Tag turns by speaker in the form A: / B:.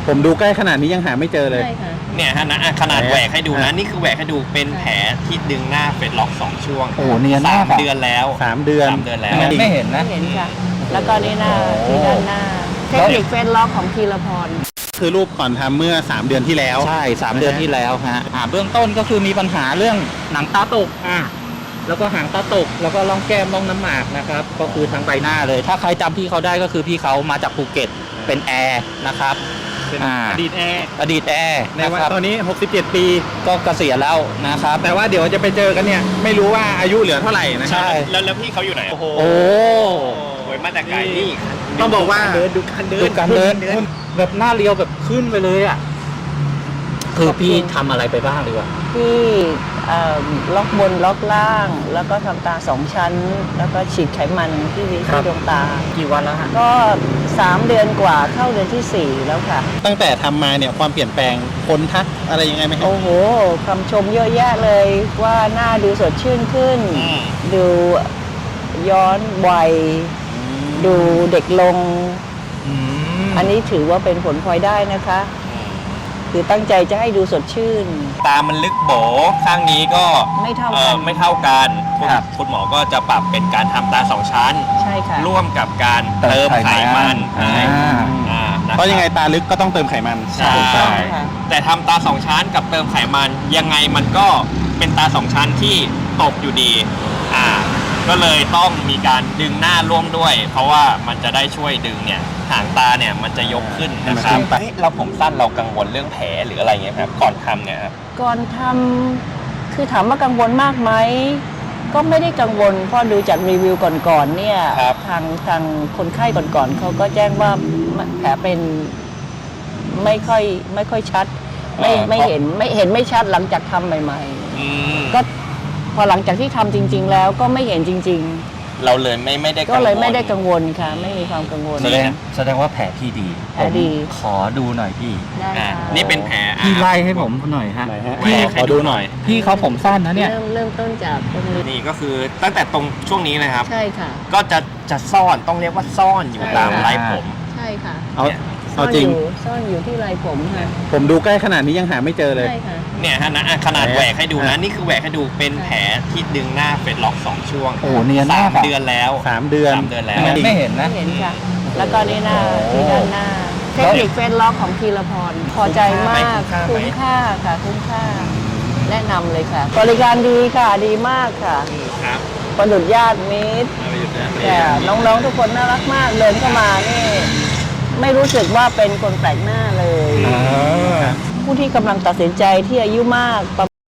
A: ผมดูใกล้ขนาดนี้ยังหาไม่เจอเลย
B: ใช่ค่ะ
C: เนี่ยฮะนะขนาดแหวกให้ดูนะนี่คือแหวกให้ดูเป็นแผลที่ดึงหน้าเฟซล็อก2ช่วง
A: โอ้โหเนียนมาก
C: 3 เดือนแล้ว
A: 3 เดือน
C: 3 เดือนแล้ว
A: ไม่เห็นนะ
B: เห็นค่ะ แล้วก็นี่หน้าที่ด้านหน้าเทคนิคเฟซล็อกของธีรพร
A: คือรูปก่อนทำเมื่อ3 เดือนที่แล้ว
D: ใช่3 เดือนที่แล้วฮะเบื้องต้นก็คือมีปัญหาเรื่องหนังตาตกแล้วก็หางตาตกแล้วก็ร่องแก้มร่องน้ำหมากนะครับก็คือทั้งใบหน้าเลยถ้าใครจำพี่เขาได้ก็คือพี่เขามาจากภูเก็ตเป็นแอร์นะครับ
A: เป็นอดีตแอร์ในวันตอนนี้67 ปี
D: ก็เกษียณแล้วนะครับ
A: แต่ว่าเดี๋ยวจะไปเจอกันเนี่ยไม่รู้ว่าอายุเหลือเท่าไหร่นะ
D: ใช่
C: แล้วพี่เขาอยู่ไหนโอ้โหมาแต่ไกลนี่
A: ต้องบอกว่า
D: ดูการเดินแบบหน้าเรียวแบบขึ้นไปเลยอ่ะคือพี่ทำอะไรไปบ้างดีกว่า
B: พี่ล็อกบนล็อกล่างแล้วก็ทำตา2 ชั้นแล้วก็ฉีดไขมันที่ดวงตา
D: กี่วันแล้วฮะ
B: ก็3 เดือนกว่าเข้าเดือนที่4แล้วค่ะ
A: ตั้งแต่ทำมาเนี่ยความเปลี่ยนแปลงคนทักอะไรยังไงไหมครับ
B: โอ้โหคำชมเยอะแยะเลยว่าหน้าดูสดชื่นขึ้นดูย้อนวัยดูเด็กลงอันนี้ถือว่าเป็นผลพลอยได้นะคะคือตั้งใจจะให้ดูสดชื่น
C: ตามันลึกโบข้างนี้ก็
B: ไม่เท่ากัน
C: คุณหมอก็จะปรับเป็นการทำตา2 ชั้น
B: ใช่ค่ะ
C: ร่วมกับการเติมไขมัน
A: เพราะยังไงตาลึกก็ต้องเติมไขมัน
C: ใช่แต่ทำตา2 ชั้นกับเติมไขมันยังไงมันก็เป็นตา2 ชั้นที่ตกอยู่ดีก็เลยต้องมีการดึงหน้าร่วมด้วยเพราะว่ามันจะได้ช่วยดึงเนี่ยหางตาเนี่ยมันจะยกขึ้นนะครับเราผมสั้นเรากังวลเรื่องแผลหรืออะไรเงี้ยครับก่อนทำเนี่ยครับ
B: ก่อนทำคือถามว่ากังวลมากไหมก็ไม่ได้กังวลเพราะดูจากรีวิวก่อนๆเนี่ยทางคนไข้ก่อนๆเขาก็แจ้งว่าแผลเป็นไม่ค่อยชัดไม่เห็นไม่ชัดหลังจากทำใหม่ๆก็พอหลังจากที่ทำจริงๆแล้วก็ไม่เห็นจริงๆ
C: เราเลยไม่ได้
B: ก็เลยไม่ได้กังวลค่ะไม่มีความกังวล
D: แสดงว่าแผลพี่ดีขอดูหน่อยพี่
C: นี่เป็นแผล
D: พี่ไล่ให้ผมหน่อยฮะ
C: พี่ขอดูหน่อย
D: พี่เขาผมสั้นนะเนี่ย
B: เริ่มต้นจากตรงนี้
C: นี่ก็คือตั้งแต่ตรงช่วงนี้นะครับ
B: ใช่ค่ะ
C: ก็จะซ่อนต้องเรียกว่าซ่อนอยู่ตามไหล่ผม
B: ใช่ค่ะ
A: เอาจริง
B: ซ่อนอยู่ที่ไหล่ผมค่ะ
A: ผมดูใกล้ขนาดนี้ยังหาไม่เจอเลย
B: ใช่ค่ะ
C: เนี่ยฮะนะขนาดแหวกให้ดูนะนี่คือแหวกให้ดูเป็นแผลที่ดึงหน้าเฟซล็อก2 ช่วง
D: โอ้เนียนมาก
C: 3 เดือนแล้ว
A: 3 เดือน
C: แล้ว
D: ไม่เห็นนะ
B: เห็นค่ะแล้วก็นี่หน้าที่ด้านหน้าเทคนิคเฟซล็อกของธีรพรพอใจมากคุ้มค่าค่ะคุ้มค่าแนะนำเลยค่ะบริการดีค่ะดีมากค่ะประดุจญาติมิตรแต่น้องๆทุกคนน่ารักมากเดินเข้ามานี่ไม่รู้สึกว่าเป็นคนแปลกหน้าเลยผู้ที่กำลังตัดสินใจที่อายุมาก